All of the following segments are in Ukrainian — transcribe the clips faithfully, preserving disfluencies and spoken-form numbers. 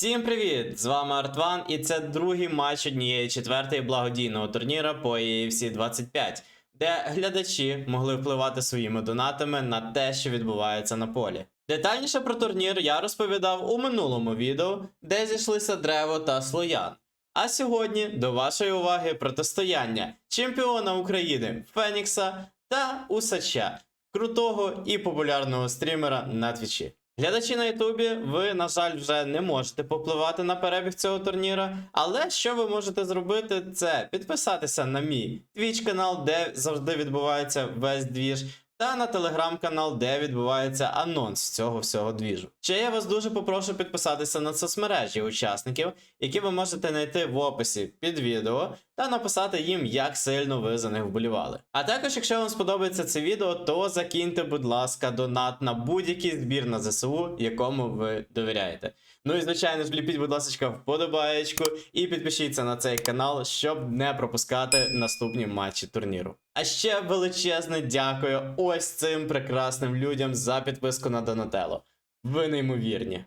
Всім привіт! З вами Артван, і це другий матч однієї четвертої благодійного турніра по і еф сі двадцять п'ять, де глядачі могли впливати своїми донатами на те, що відбувається на полі. Детальніше про турнір я розповідав у минулому відео, де зійшлися Древо та Слоян. А сьогодні до вашої уваги протистояння чемпіона України Фенікса та Усача, крутого і популярного стрімера на твічі. Глядачі на ютубі, ви, на жаль, вже не можете попливати на перебіг цього турніра, але що ви можете зробити, це підписатися на мій Twitch канал, де завжди відбувається весь двіж, та на телеграм-канал, де відбувається анонс цього всього двіжу. Ще я вас дуже попрошу підписатися на соцмережі учасників, які ви можете знайти в описі під відео, та написати їм, як сильно ви за них вболівали. А також, якщо вам сподобається це відео, то закиньте, будь ласка, донат на будь-який збір на зе се у, якому ви довіряєте. Ну і, звичайно ж, ліпіть, будь ласка, вподобаєчку і підпишіться на цей канал, щоб не пропускати наступні матчі турніру. А ще величезне дякую ось цим прекрасним людям за підписку на Донателло. Ви неймовірні.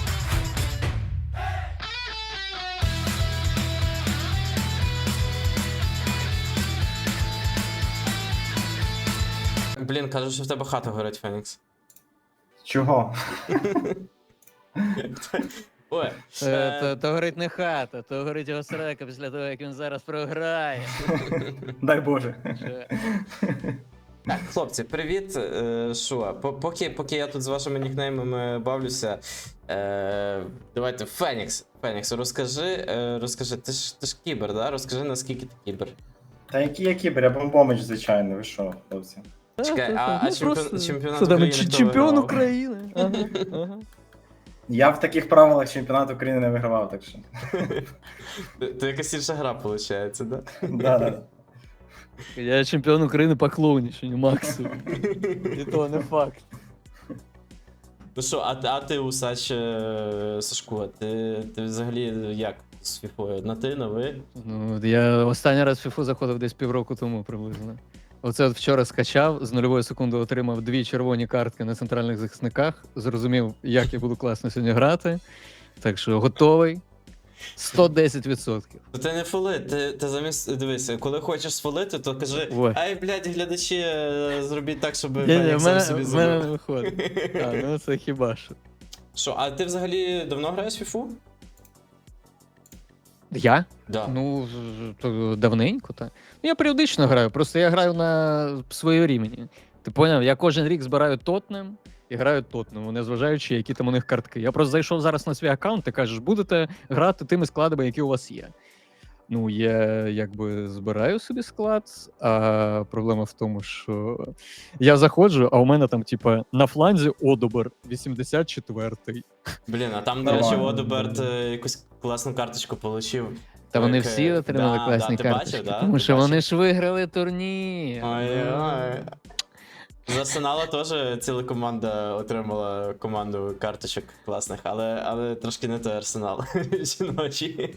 Блін, кажуть, що в тебе хата горить, Фенікс. Чого? Ой, То, е, то, то горить не хата, то горить його срака після того, як він зараз програє. Дай Боже. Що? Так, хлопці, привіт. Е, Що, по- поки, поки я тут з вашими нікнеймами бавлюся, е, давайте, Фенікс, Фенікс, розкажи, е, розкажи, ти ж, ти ж кібер, да? Розкажи, наскільки ти кібер. Та який я кібер, я бомбомич, звичайно, ви що, хлопці? Чекай, Та, а- та, а ну, чемпіон- просто- чемпіонат Що там, України ч- хто Чемпіон вигравав? України. Ага, ага. Я в таких правилах чемпіонат України не вигравав, так що. То якась інша гра, виходить, да? Да, да. Я чемпіон України по клоуніченню, максимум. І то не факт. Ну що, а, ти- а ти, Усач, е, Сашко, ти, ти взагалі як з фіфою? На ти, на ви? Ну, я останній раз в фіфу заходив десь півроку тому приблизно. Оце от вчора скачав, з нульової секунди отримав дві червоні картки на центральних захисниках. Зрозумів, як я буду класно сьогодні грати. Так що готовий. сто десять відсотків. Ну ти не фоли, ти, ти замість, дивися, коли хочеш сфолити, то кажи, Ой. ай, блядь, глядачі, е, зробіть так, щоб Ні, ні, Фенікс в сам мене, собі в мене не забив. виходить. А, ну це хіба що. Що, а ти взагалі давно граєш в фіфу? Я? Да. Ну, з- то давненько, так. Ну, я періодично граю, просто я граю на своєму рівні. Ти поняв? Я кожен рік збираю Тотнем і граю Тотнем, незважаючи, які там у них картки. Я просто зайшов зараз на свій аккаунт і кажеш, будете грати тими складами, які у вас є. Ну, я якби збираю собі склад, а проблема в тому, що я заходжу, а у мене там, типа, на фланзі Одобер вісімдесят четвертий. Блін, а там, до речі, Нормально. Одоберт е, якусь класну карточку получив. Та вони Як, е, всі отримали да, класні да, ти карточки, бачив, да? тому Ти що бачив? вони ж виграли турнір. Ой-ой. З Арсенала теж ціла команда отримала команду карточок класних, але, але трошки не той Арсенал жіночий.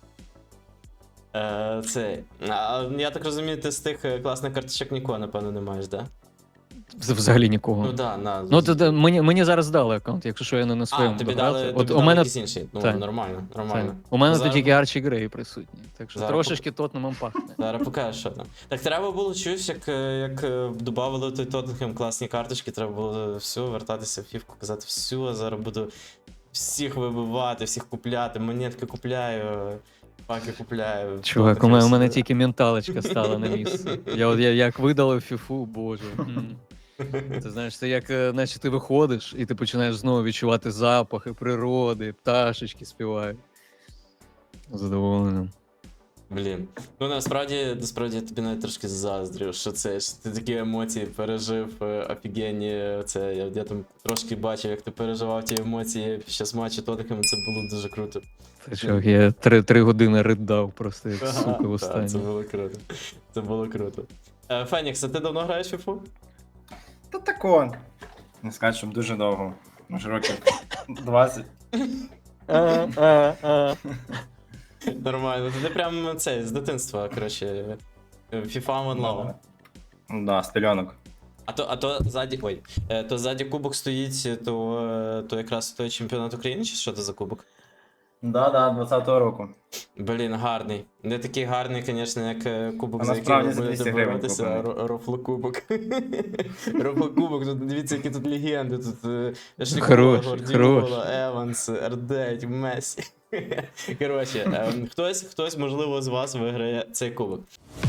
Е, Це. А, я так розумію, ти з тих е, класних карточок нікого, напевно, не маєш, да? Вз- Взагалі нікого. Ну да, на. Ну, то, то, мені, мені зараз дали аккаунт, якщо що я не на а, своєму тобі дограв. дали, От тобі у дали мене, якісь інші. Ну, так. нормально, нормально. так, у мене Зараз- тут тільки Арчі Грей присутні, так що Зараз трошечки Тотнемом пахне. Зараз покажеш, що там. Так треба було чуєш, як, е, як е, додавали той Тоттенхем класні карточки, треба було все, вертатися в фівку, казати, все, зараз буду всіх вибивати, всіх купляти, монетки купляю, паки купляю. Чувак, у мене, у мене Тоттенхем тільки менталочка стала на місце. Я, от, я як видалив фіфу, боже. м. Ти знаєш, це як, е, наче ти виходиш, і ти починаєш знову відчувати запахи природи, пташечки співають. Задоволеним. Блін. Ну насправді, насправді я тобі навіть трошки заздрю, що це що ти такі емоції пережив е, офігенні. Це я, я там трошки бачив, як ти переживав ті емоції під час матчу Тоттенхема, це було дуже круто. Це що, я три, три години ридав просто як сука в Так, це останній. було круто. Це було круто. Е, Фенікс, а ти давно граєш в фіфу? Та тако. Не скажу, щоб дуже довго. Може років двадцять. А, а, а. Нормально. Ти прям це з дитинства, коротше. FIFA One Love. Ну да, з пельонок. А то, а то ззаді. Ой. Е, То ззаді кубок стоїть, то, е, то якраз той чемпіонат України, чи що це за кубок? Да-да, двадцятого року. Блін, гарний. Не такий гарний, звісно, як е, кубок, А за який насправді ви за будете двісті гривень боротися, куплений. ро- рофлокубок. Рофлокубок, тут дивіться, які тут легенди. Тут е, Шлікова, Хорош, Гордіола, хорош. Еванс, Ердеть, Месі. Коротше, ем, хтось, хтось, можливо, з вас виграє цей кубок.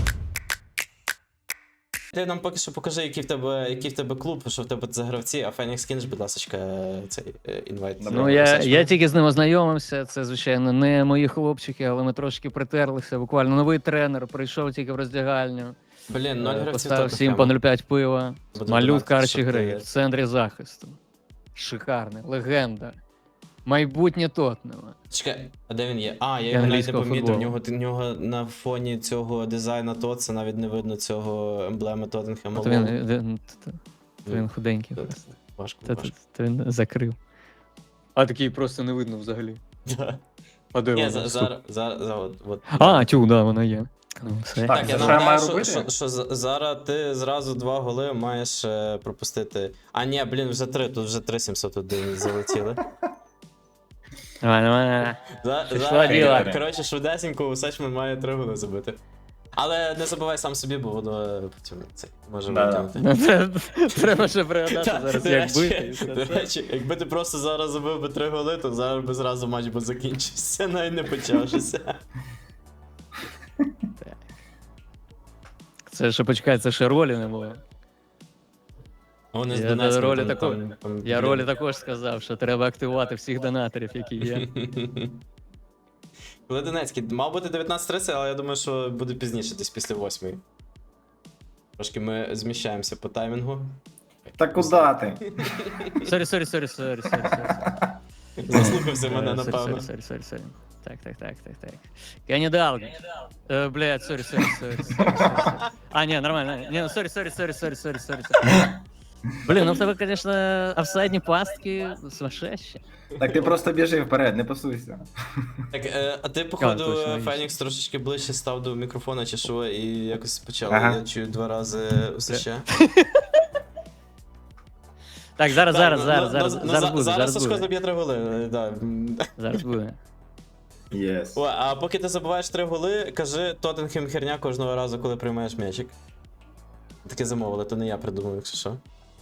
Ти нам поки що покажи, який в тебе, який в тебе клуб, що в тебе за гравці, а Фенікс кинеш, будь ласка, цей е, інвайт. Добре. Ну, я, я тільки з ним ознайомився. Це, звичайно, не мої хлопчики, але ми трошки притерлися. Буквально новий тренер прийшов тільки в роздягальню. Блін, ноль е, гравців Поставив всім Тоттенхема. по нуль п'ять пива. Буде Малют донатити, карчі щоб гри ти- в центрі захисту. Шикарний, легенда. Майбутнє Тотнема. Чекай, а де він є? А, я І його навіть не англійського помітив. В футболу. нього, в нього на фоні цього дизайна Тотса навіть не видно цього емблеми Тоттенхема. От він, Лол. він, т- т- він худенький. Це просто. Важко, Та- та- важко. та він закрив. А такий просто не видно взагалі. Да. А де Ні, вона? за- Стоп. зараз, зараз, зараз, от. А, тю, да, вона є. Ну, все. Так, Так, я це що я нагадаю, маю що, робити? що, що за- зараз ти зразу два голи маєш е, пропустити. А ні, блін, вже три, тут вже три сімсот один залетіли. Давай, давай, давай. За, Пішло за, діло. коротше, швидесенько Усачман має три голи забити. Але не забувай сам собі, бо воно е, потім це може Да-да. витягнути. Ну, це- Треба ще пригадати Та, зараз, до як речі, бити. і все До це. речі, якби ти просто зараз забив би три голи, то зараз би зразу матч би закінчився, навіть не почавшися. Це ще почекай, це ще ролі не було. Вони з Я Донецьком ролі там- такої- там- там, Я блін. ролі також сказав, що треба активувати всіх донаторів, які є. Коли Донецький, мав бути дев'ятнадцять тридцять, але я думаю, що буде пізніше, десь після восьмої. Трошки ми зміщаємося по таймінгу. Та куди ти? Сорі, сорі, сорі, сорі, сорі, сорі. Заслухався мене, Е, сорі, напевно. Сорі, сорі, сорі. Так, так, так, так, так. Кенні Далган. Е, Блядь, сорі, сорі, сорі, сорі, сорі. А, ні, нормально. Ні, ну сорі, сорі, сорі, сорі, сорі, сорі. Блін, ну в тебе, звісно, офсайдні пастки сумасшедші. Так ти просто біжи вперед, не пасуйся. Так, е, а ти, А, походу, точно, є. Фенікс трошечки ближче став до мікрофона чи що, і якось почав, Ага. я чую два рази усе. Так, зараз, зараз, ну, зараз, ну, зараз, ну, зараз за- буде, Зараз зараз Сашко буде. заб'є три голи. е, Да. Зараз буде. Єс. О, а поки ти забуваєш три голи, кажи Тоттенхем херня кожного разу, коли приймаєш м'ячик. Таке замовили, то не я придумав, якщо що.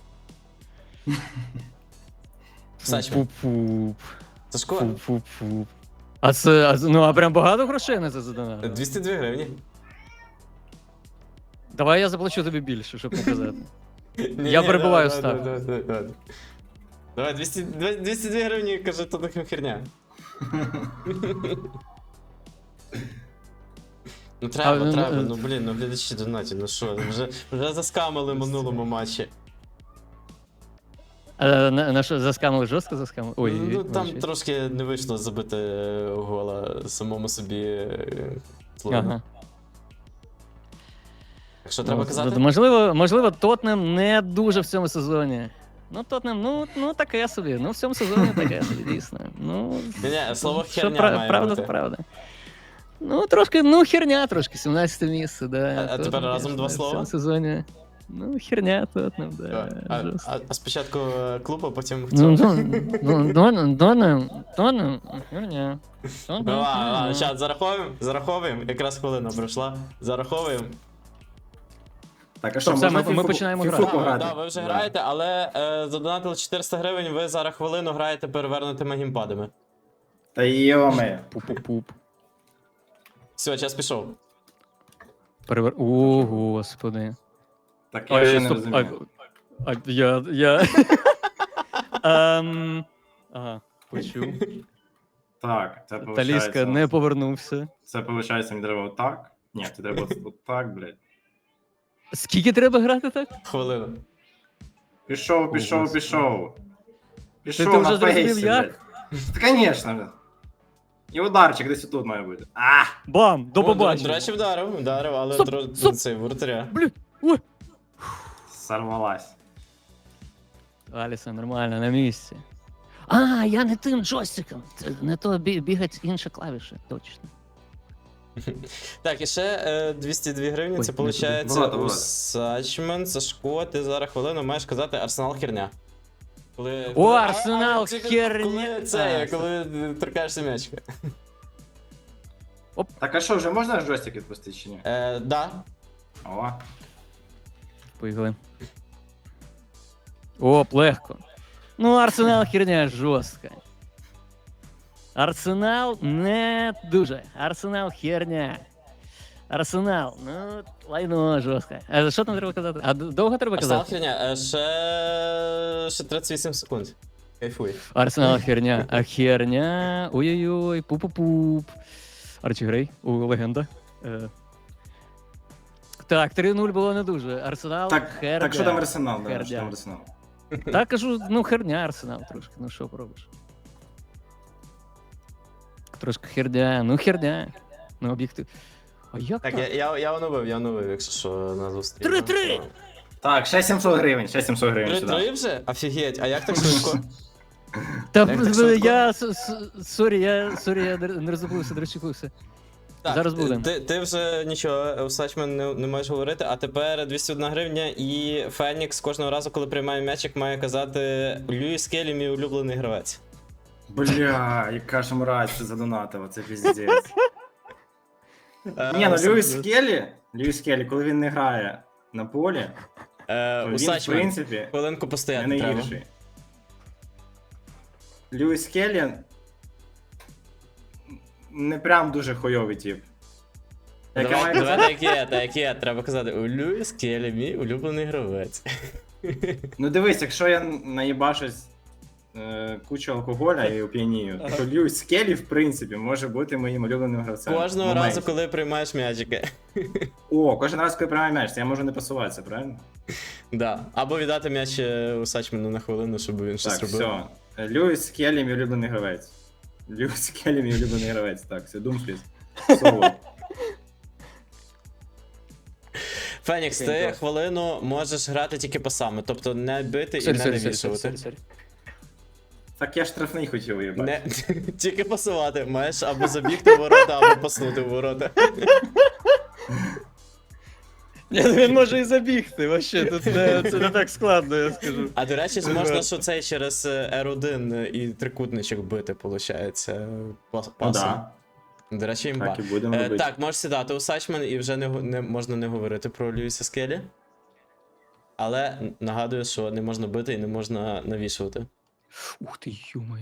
Сачман. Пуп-пуп. Сашко, Фу-фу-фу. А це, а, це- ну, а прям багато грошей на це задонатили? двісті дві гривні. Давай я заплачу тобі більше, щоб показати. Ні, Я ні, перебиваю давай, ставку. давай, давай, давай. Давай, двісті, двісті дві гривні, каже Тоттенхем херня. Ну треба, А, ну, треба, ну, ну блін, ну глядачі донаті, ну що, вже, вже заскамили в минулому матчі. А, на, на що, заскамили жорстко заскамили? Ой, Ну там вибачте. трошки не вийшло забити е, гола самому собі е, Словену. Ага. Так що треба Ну, казати? Можливо, можливо, Тотнем не дуже в цьому сезоні. Ну, Тотнем, ну, ну таке собі. Ну, в цьому сезоні таке собі, дійсно. Ну, Ні, ні, слово що херня пра- має правда, бути. то правда. Ну, трошки, ну, херня трошки, сімнадцяте місце, да. А- а Тотнем, тепер разом конечно, два В слова? цьому сезоні. Ну, херня Тотнем, А, да. а, жорстко. а, а спочатку е, клуб, а потім в Ну, цьому. ну, Тотнем, Тотнем, Тотнем, херня. Тотнем, Ну, ладно, ладно, херня. щас зараховуємо, зараховуємо, якраз хвилина пройшла. Зараховуємо. Так, а що, Все, можна ми- ми фіфу- починаємо фіфу грати. Так, пограти? да, ви вже Да. граєте, але е, задонатили чотириста гривень, ви зараз хвилину граєте перевернутими геймпадами. Та йоме. Пуп-пуп-пуп. Все, час пішов. Перевер... О, господи. Так я ще не розумію. а, я, я... Ем, ага, почув. Так, це виходить. Таліска не повернувся. Це виходить, мені треба отак. Ні, це треба отак, блядь. Скільки треба грати так? Хвилину. Пішов, пішов, Господи. пішов. Ти, Пішов ти на вже зрозумів фейсі, як? блядь. Та, конечно, блядь. І ударчик десь тут має бути. А! Бам! До О, До побачення. речі, вдарив, вдарив, але Стоп, тро- стоп. цей воротаря. Блін, ой. Сорвалась. Аліса, нормально, на місці. А, я не тим джойстиком. Це не то бі- бігать інші клавіші, точно. Так, і ще е, двісті дві гривні, Ой, це не туди. виходить Багато, у багато. Сачмен, Сашко, ти зараз хвилину маєш казати Арсенал херня. Коли, О, коли- а- Арсенал, а, тільки херня. Коли це, А, коли торкаєшся м'ячика. Так а що, вже можна джойстик відпустити чи ні? Е, да. О. Поїхали. Оп, легко. Ну, Арсенал херня жорстка. Арсенал не дуже. Арсенал херня. Арсенал, ну, лайно жорстке. А що там треба казати? А д- довго треба Арсенал казати? херня. Е, ще... ще тридцять вісім секунд. Кайфуй. Арсенал херня. А херня. Ой-ой-ой, пуп-пуп-пуп. Арчі Грей, у легенда. Е. Так, три нуль було не дуже. Арсенал Так, херня. так що там Арсенал, да, Херня. що там Арсенал? Так кажу, ну херня Арсенал трошки, ну що поробиш. Трошки херня, ну херня. Ну об'єктив. А як Так, так? я, я, я оновив, я оновив, якщо що, на зустріч. Три-три! Так, ще сімсот гривень, ще сімсот гривень сюди. Три-три вже? Офігеть, а як так швидко? Та Як так швидко? я с- с- сорі, я сорі, я не не роззабувся, не розчепився. Так, Зараз будемо. Ти, ти вже нічого, Усачмен не, не можеш говорити, а тепер двісті одна гривня і Фенікс кожного разу, коли приймає м'ячик, має казати Льюіс Келлі, мій улюблений гравець. Бля, яка ж мразь це задонатила, це піздець. Е, Ні, ну Ус- Льюіс Келлі, Льюіс Келлі, коли він не грає на полі, Е, то він, в Усачмен, принципі, хвилинку не постояти треба. найгірший. Льюіс Келлі не прям дуже хуйовий тип. Яке Давай, має давай казати? так є, так є, треба казати у Льюіс Келлі, мій улюблений гравець. Ну дивись, якщо я наїбашусь е, кучу алкоголя і оп'янію, то Льюіс Келлі, в принципі, може бути моїм улюбленим гравцем. Кожного В моменті. разу, коли приймаєш м'ячики. О, кожен раз, коли приймаю м'яч, я можу не пасуватися, правильно? Да. Або віддати м'яч е, Усачмену на хвилину, щоб він щось Так, робив. все. Льюіс Келлі, мій улюблений гравець. Льюіс Келлі, мій улюблений гравець. Так, все, Думфріз. Соло. Фенікс, ти Окей, хвилину можеш грати тільки пасами, тобто не бити і Сорі, не сорі, сорі, навішувати. сорі, сорі. Так я штрафний хотів уїбати. Не, тільки пасувати. Маєш або забігти в ворота, або паснути в ворота. Ні, ну він може і забігти, вообще, тут не, це не так складно, я скажу. А до речі, можна що цей через ер один і трикутничок бити, виходить, пасом. Ну да, До речі, імба. так і будемо Е, робити. так, можеш сідати у Сачмен і вже не, го- не можна не говорити про Льюіса Скелі. Але нагадую, що не можна бити і не можна навішувати. Ух ти, ё-моё.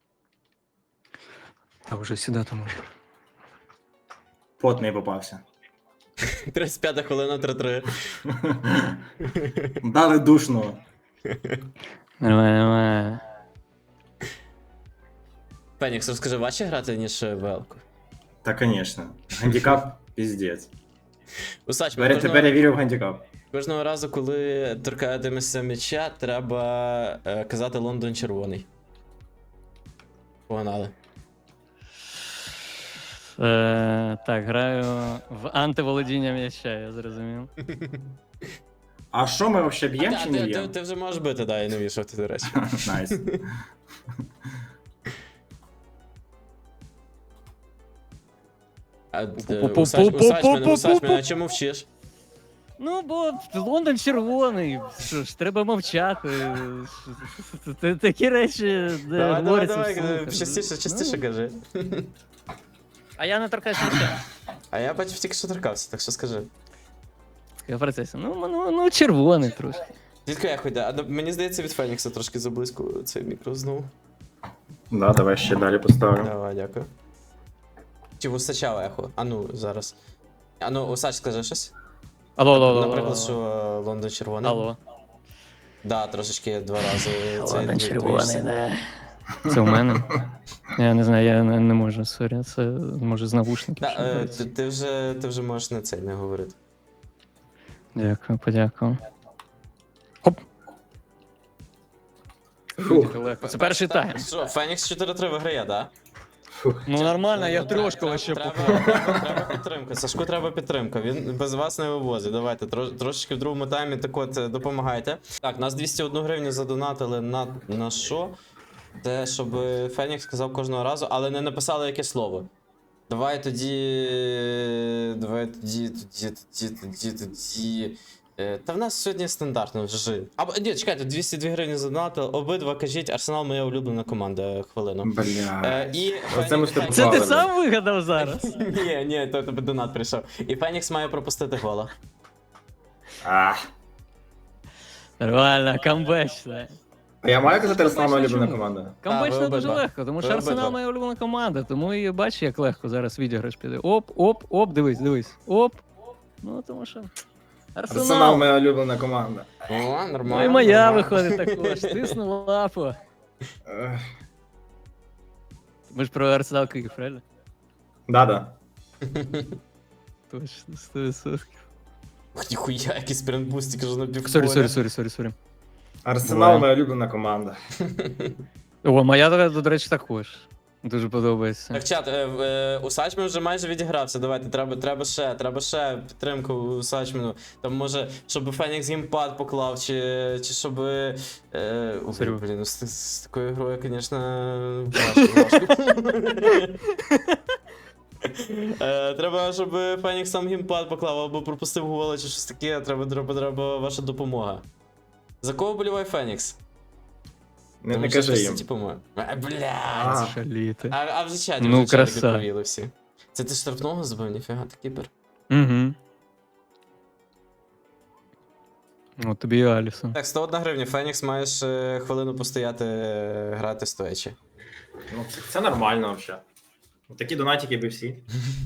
А вже сідати можна. Потний попався. тридцять п'ята хвилина три-три. Дали душно. Нормально, нормально. Фенікс, розкажи, важче грати, ніж Велку? Та, звісно. Гандікап піздець. Усач, Тепер, тепер я вірю в гандікап. кожного разу, коли торкаєтемеся м'яча, треба е, казати Лондон червоний. Погнали. Е, так, граю в антиволодіння м'яча, я зрозумів. А що ми взагалі б'ємо А, чи ти, не ти, б'ємо? ти вже можеш бити, да, і навішувати, до речі. Найс. А, е, Пу-пу-пу-пу-пу-пу-пу-пу. Усач, Усачмен, Усачмен, а чому вчиш? Ну, бо Лондон червоний. Що ж, треба мовчати. Т- Такі речі, де Давай, давай, говоряться давай, вслух. частіше, частіше Ну, кажи. А я не торкаюсь м'яча. А я бачив тільки що торкався, так що скажи. Я в процесі. Ну, ну, ну, червоний трошки. Звідки я ходя? А ну, мені здається, від Фенікса трошки заблизько цей мікро знову. Да, давай ще далі поставимо. Давай, дякую. Чи в Усача ехо? А ну, зараз. А ну, Усач, скажи щось. Алло, алло, алло. Наприклад, алло. що е, Лондон червоний. Алло. Да, трошечки два рази. цей Лондон дві- червоний, двоїшся. да. Це у мене? Я не знаю, я не, не можу, сорі, це може з навушників. Та, що е, дається. ти, ти, вже, ти вже можеш на цей не говорити. Дякую, подякую. Хоп. Фух. Легко. Це перший тайм. Що, Фенікс чотири-три виграє, да? Ну нормально, я Ну, треба- трошки треба- вообще треба, попав. треба, треба підтримка. Сашку треба підтримка. Він без вас не вивозить. Давайте трош, трошечки в другому таймі так от е, допомагайте. Так, нас двісті одну гривню задонатили на, на що? Це щоб Фенікс сказав кожного разу, але не написали яке слово. Давай тоді. Давай тоді, тоді, тоді, тоді, тоді. Е, Та в нас сьогодні стандартно вже. Або ні, чекайте, двісті дві гривні задонатили. Обидва кажіть, Арсенал моя улюблена команда. Хвилину. Бля. Е, і Оце ми Фенікс- стопували. Це ти Ладно. сам вигадав зараз? Ні, ні, то тебе донат прийшов. І Фенікс має пропустити гола. А. Нормально, камбечне. А я маю казати, Арсенал моя Бачиш, улюблена чому? команда? Камбечне ви дуже обидва. легко, тому що Ви Арсенал обидва. моя улюблена команда, тому і бачиш, як легко зараз відіграш піде. Оп, оп, оп, дивись, дивись. Оп. Ну, тому що. Арсенал Арсенал. моя улюблена команда. О, нормально. Ну і моя нормально. виходить також. Тисну лапу. Ех, Ми ж про Арсенал Київ, правильно? Да-да. Точно, сто відсотків. Ух, ніхуя, який спринтбуст, тільки ж на півполя. Сорі, сорі, сорі, сорі, сорі. Арсенал Буває. моя улюблена команда. О, моя, до, до речі, також. Дуже подобається. Так, чат, е, е, у Сачмен вже майже відігрався. Давайте, треба, треба ще, треба ще підтримку у Сачмену. Там може, щоб Фенікс геймпад поклав, чи, чи щоб. Е, о, Серйозно? блін, ну, з, з такою грою, звісно, важко, важко. Е, Треба, щоб Фенікс сам геймпад поклав або пропустив гола, чи щось таке. Треба, треба, треба ваша допомога. За кого боліває Фенікс? Не, Тому не що кажи щось їм. Типу, ми- Е, блядь. А. Шаліти. А, а вже чаті, Ну, вже чаті краса. відповіли всі. Це ти штрафного збив, ніфіга, ти кіпер. Угу. От тобі і Алісон. Так, сто одна гривня, Фенікс маєш е, хвилину постояти, е, грати стоячи. Ну, це, це нормально взагалі. Такі донатики би всі.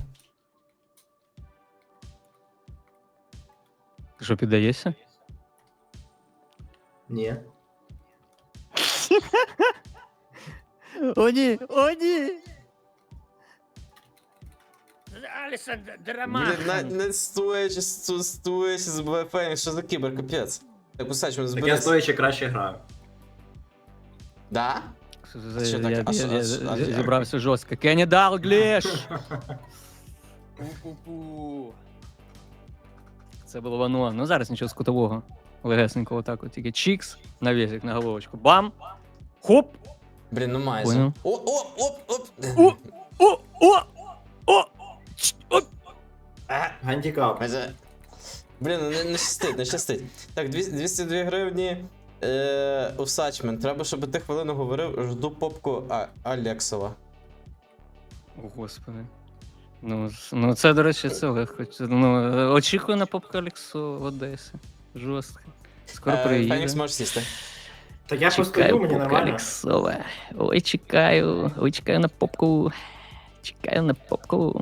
Ти що, піддаєшся? Ні. О, ні! О, ні! Алісон, драма! Блін, на, не стоячи, сто- стоячи, забуває Фенікс, що за кібер, капець. Так, усач, ми Так я зберись. стоячи краще граю. Да? Я, що так? я, А що- я, а що- я а як? зібрався жорстко. Кенні Далгліш! Пу-пу-пу. Це було воно. Ну зараз нічого скутового. Легесенького так от. Тільки чікс, навісик на головочку. Бам! Хоп! Блін, ну майже. Понял. О, о, оп, оп. О! О! О! О! Ч- О! А, Гандікап. майже. Блін, ну не, не щастить, не щастить. Так, двісті двісті дві гривні. Е, у Сачмен. Треба, щоб ти хвилину говорив, жду попку а, Алексова. О, господи. Ну, з- ну це, до речі, це легко. Це, Ну, е, очікую на попку Алексу в Одесі. Жорстко. Скоро Е, приїде. Фенікс можеш сісти. Так я постою, Чекаю мені попку нормально. Алексова. Ой, чекаю. Ой, чекаю на попку. Чекаю на попку.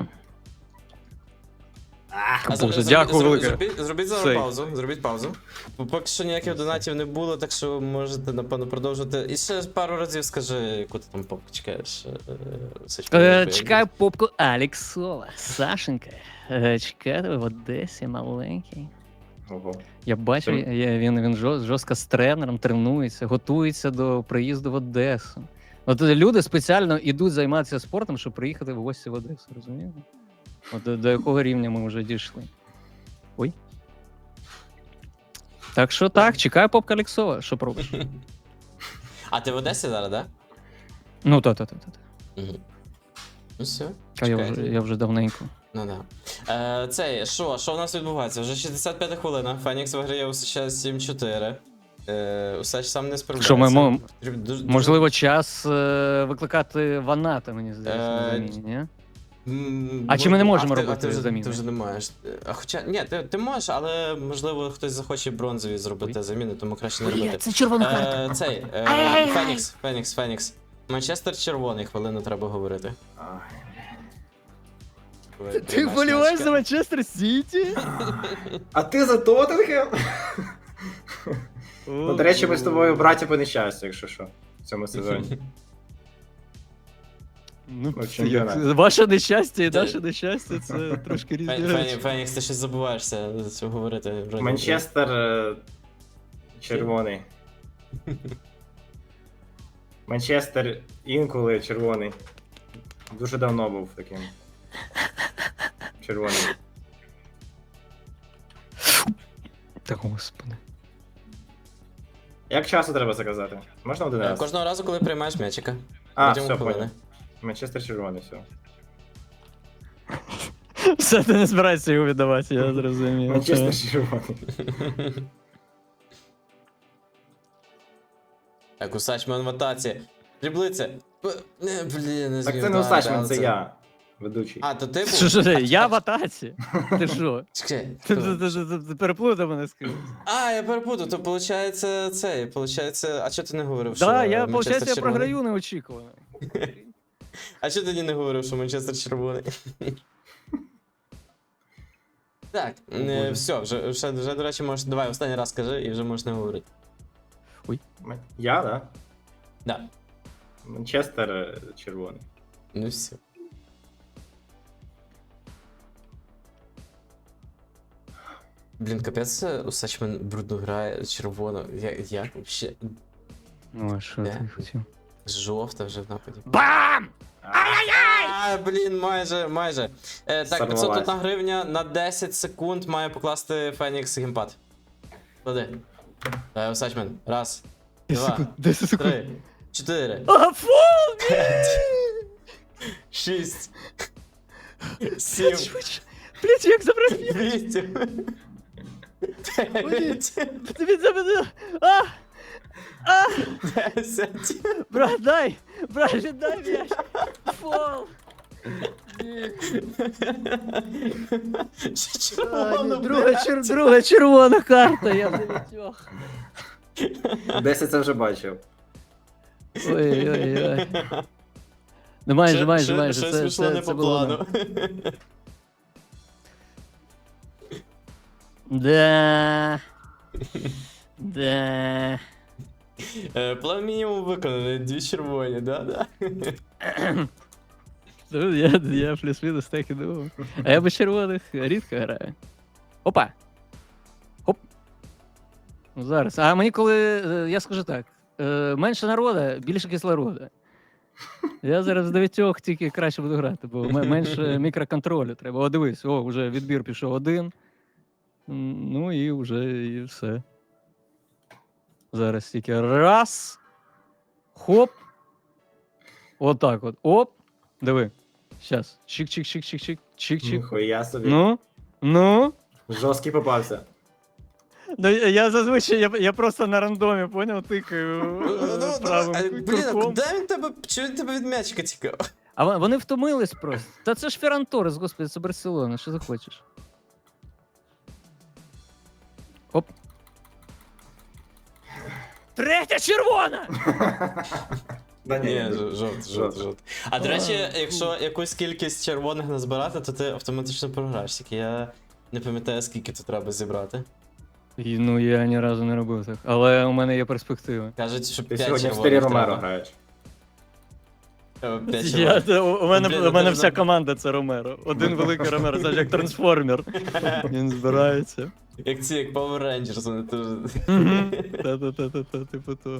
А Боже, зробіть- дякую зробіть- велике. Зробіть, зробіть зараз Цей. паузу. Зробіть паузу. Бо поки що ніяких донатів не було, так що можете, напевно, продовжувати. І ще пару разів скажи, яку ти там попку чекаєш. е, е, Сачмен, Е, бо я- чекаю попку Алексова. Сашенька. Е, чекаю тебе в Одесі, маленький. Ого. Я бачу, Це- я, він, він жорст- жорстко з тренером тренується, готується до приїзду в Одесу. От люди спеціально йдуть займатися спортом, щоб приїхати в гості в Одесу, розумієте? От до, до якого рівня ми вже дійшли. Ой. Так що так, чекаю попка Алексова, що пробуєш? А ти в Одесі зараз, так? Ну, та-та-та-та. Да? Угу. Ну все. А я вже, я вже давненько. Ну да. Е, цей, що, що в нас відбувається? Вже шістдесят п'ята хвилина. Фенікс виграє у США сім чотири. Е, Усач сам не справляється. Що ми мо- Дуже- дуже- Можливо, час е, викликати Ваната, мені здається, на Е, заміні, ні? М, А чи ми не можемо а ти- робити а ти вже, заміни? Ти вже не маєш. А хоча, ні, ти, ти можеш, але можливо хтось захоче бронзові зробити Ой. заміни, тому краще не робити. Це червона карта. Е, цей, е, Ай-яй-яй. Фенікс, Фенікс, Фенікс. Манчестер червоний, хвилину треба говорити. Ай. Ти Ти вболіваєш за Манчестер Сіті? А ти за Тоттенхем? Ну, до речі, ми з тобою браті по нещастю, якщо що, в цьому сезоні. Ну, Ну, як- чемпіонат. ваше нещастя і Та- наше нещастя це трошки різні Фен- Фен- речі. Фенікс, ти щось забуваєшся за цього говорити. вроді. Манчестер е, червоний. Манчестер інколи червоний. Дуже давно був таким. Червоний. Та господи. Як часто треба заказати? Можна один Е, раз? Кожного разу, коли приймаєш м'ячика. А, протягом все, хвилини. понял. Манчестер червоний, все. Все, ти не збираєшся його віддавати, я зрозумів. Манчестер червоний. Так, Усачмен в атаці. Приблиться. П- не, Блін, не Так зміг це не дати, Усачмен, але це я. Ведучий. А, то ти був? Що, що, ти, я в атаці? Ти що? Чекай, Ти, хто? ти, ти, ти, ти переплутав мене з кимось. А, я перепутав, то виходить цей, виходить, а чого ти не говорив, що Да, я, Манчестер виходить, я червоний? програю неочікувано. А чого тоді не говорив, що Манчестер червоний? Так, е, Боже. все, вже, вже, вже, до речі, можеш, давай останній раз скажи і вже можеш не говорити. Я, да? Да, Манчестер е, червоний. ну все. Блін, капець, Усачмен брудно грає, червоно. Я, як вообще? Ну, а що Де? ти хотів? Жовта вже в нападі. Бам! А, блін, майже, майже. Е, так, п'ятсот Сорвалась. одна гривня на десять секунд має покласти Фенікс геймпад. Клади. Давай, Усачмен. Раз, два, десять секунд. три, чотири, А, фул! шість, сім, Швидше. Блять, як забрати? вісім, дев'ять, Тобі забеду. А! А! десять. Брат, дай! Брат, віддай м'яч! Фол! Ще червоно, Друга, блядь. чер... Друга червона карта, я в дев'ятьох. Десять це вже бачив. Ой-ой-ой. Ну майже, Ще- майже, ще- майже. Щось Це, пішло це, не це по було. плану. Да. Да. Е, План мінімум виконаний, дві червоні, да-да. Ну, я, я плюс-мінус так і думав. А я без червоних рідко граю. Опа! Хоп! Ну, зараз. А мені коли, е, я скажу так, е, менше народу, більше кислорода. Я зараз в дев'ятьох тільки краще буду грати, бо м- менше мікроконтролю треба. О, дивись, о, вже відбір пішов один. М, Ну і вже і все. Зараз тільки раз. Хоп. Отак от. Оп. Диви. Щас. Чик-чик-чик-чик-чик. Чик-чик. Ніхуя собі. Ну. Ну. Жорсткий попався. Ну, я я зазвичай, я, я просто на рандомі, поняв, тикаю Ну, е, ну, правим а, Блін, а курком. куди він тебе, чого він тебе від м'ячика тікав? А вон- вони втомились просто. Та це ж Ферран Торрес, господи, це Барселона, що захочеш. Оп. Третя червона! Да Ні, ні, ж- жовт, жовт, Жовт. жовт. А до речі, якщо якусь кількість червоних назбирати, то ти автоматично програєш. Тільки я не пам'ятаю, скільки тут треба зібрати. І, ну, я ні разу не робив так. Але у мене є перспективи. Кажуть, що Ти п'ять сьогодні в червоних стилі Ромеро треба. граєш. Треба п'ять Я, червоних. у, у мене, Блін, у мене ну, вся ну. команда це Ромеро. Один великий Ромеро, це ж як трансформер. Він збирається. Як ці, як Power Rangers, вони теж. Та-та-та-та, типу того.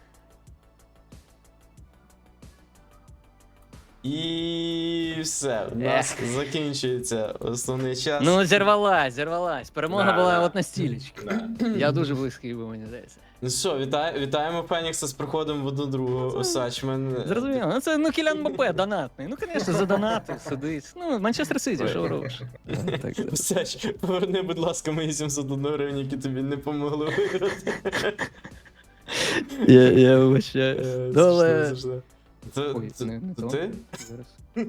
І все, у нас закінчується основний час. Ну, зірвалась, зірвалась. Перемога Да, була да. от на стілечки. Да. Я дуже близький був, мені здається. Ну що, вітай, вітаємо Фенікса з приходом в одну другу Усачмен. Зрозуміло. Ну це ну Кілян Мбаппе, донатний. Ну, звісно, за донати сидить. Ну, Манчестер Сіті, що робиш? Так, так. Усач, поверни, будь ласка, мої сімсот одну гривень, які тобі не помогли виграти. Я, я вибачаю. Е, Доле. смішно, смішно. Це, Ой, це, не- не це то. ти? Зараз.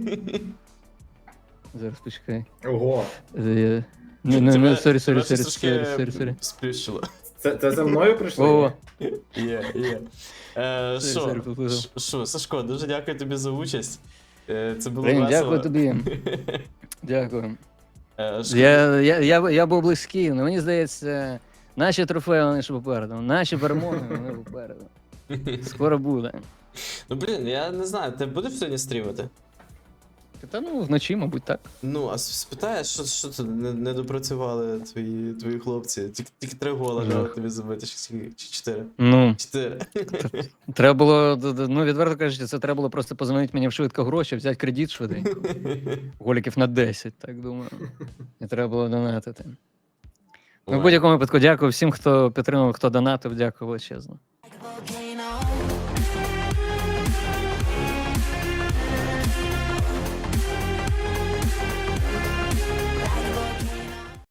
Зараз почекай. Ого. Я... Не, не, не, Тебе- сорі, сорі, тебе сорі, щось сорі, трошки сорі, сорі. Сплющило. Це, це за мною прийшли? О, Є, є. Е, Сорі, Що, сорі, поплутав. Ш- що, Сашко, дуже дякую тобі за участь. Е, Це було Блін, весело. дякую тобі. Дякую. Е, шкода- Я, я, я, я був близький, але мені здається, наші трофеї вони ще попереду. Наші перемоги вони попереду. Скоро буде. Ну блін, я не знаю, ти будеш сьогодні стрімити? Та ну, вночі, мабуть, так. Ну, а с- спитаєш, що, що тут не, не допрацювали твої, твої хлопці? Тільки, тільки три гола Жах. треба тобі забити, чи, скільки? Чи чотири? Ну, Чотири. треба було, д- д- ну, відверто кажучи, це треба було просто позвонити мені в швидко гроші, взяти кредит швиденько. Голіків на десять, так думаю. І треба було донатити. Ну, в будь-якому випадку, дякую всім, хто підтримав, хто донатив, дякую величезно. Like a Vulcan.